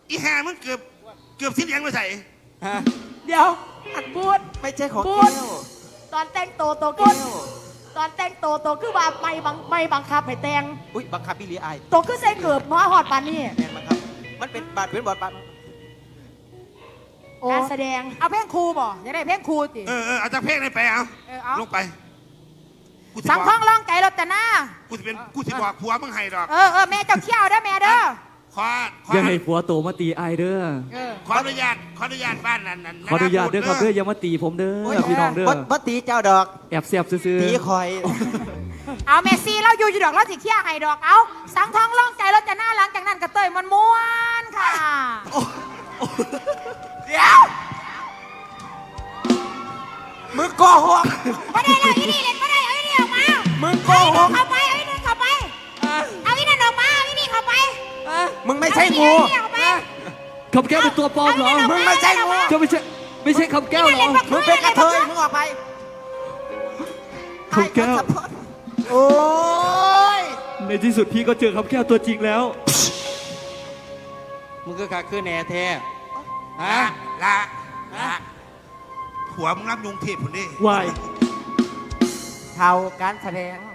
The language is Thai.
อีแห่มึงเกือบสิ้นเลี้ยงมาใส่เดี๋ยวอันบูดไม่ใช่ของพูแก้ดวตอนแต่งโตโตแก้วตอนแต่งโตคือว่าไม่บังคับให้แต่งอุ้ยบังคับพี่ลีไอโตคือใส่เกือบมาหอดปานนี่แมนบังคับมันเป็นบาดเป็นบาดการแสดงเอาเพลงครูบ่อยากได้เพลงครูติเอาจากเพลงไหนไปเอาเอาลงไปกูสิสังบท้ออก งร้องไก่รถแต่หน้ากูสิบอกผัวมึงให้ดอกแม่เจ้าเขี้ยวเด้อแม่เด้อขออย่าให้ผัวโตมาตีไอายเด้อขออนุญาตบ้านนั้นขออนุญาตเด้อครับเด้ออย่ามาตีผมเด้อพี่น้องเด้อบ่ตีเจ้าดอกแอบเสียบซื่อตีคอยเอาเมซี่เราอยู่ดอกเราสิเขี้ยวให้ดอกเอาสังท้องร้องไก่รถแต่หน้าหลังจากนั้นก็เตยมันม้วนค่ะเดี๋ยวมึงโกหกไม่ได้เลยอีนี่เล่นไม่ได้เอาอีนี่ออกมามึงโกเอาอีหนี่กเข้าไปเอาอีนี่เข้าไปเอาอีนั่นออกมาเอาอีนี่เข้าไปมึงไม่ใช่งูเอาอีนี่ออกไปๆคำแก้วเป็นตัวปลอมเหรอมึงไม่ใช่งูเจ้าไม่ใช่คำแก้วเหรอมึงเป็นกระเทยมึงออกไปคำแก้วโอ้ยในที่สุดพี่ก็เจอคำแก้วตัวจริงแล้วมึงก็ขาคือแหน่แท้ฮะละผัวมึงรับยุงเทพคนนี้วายเท่าการแสดง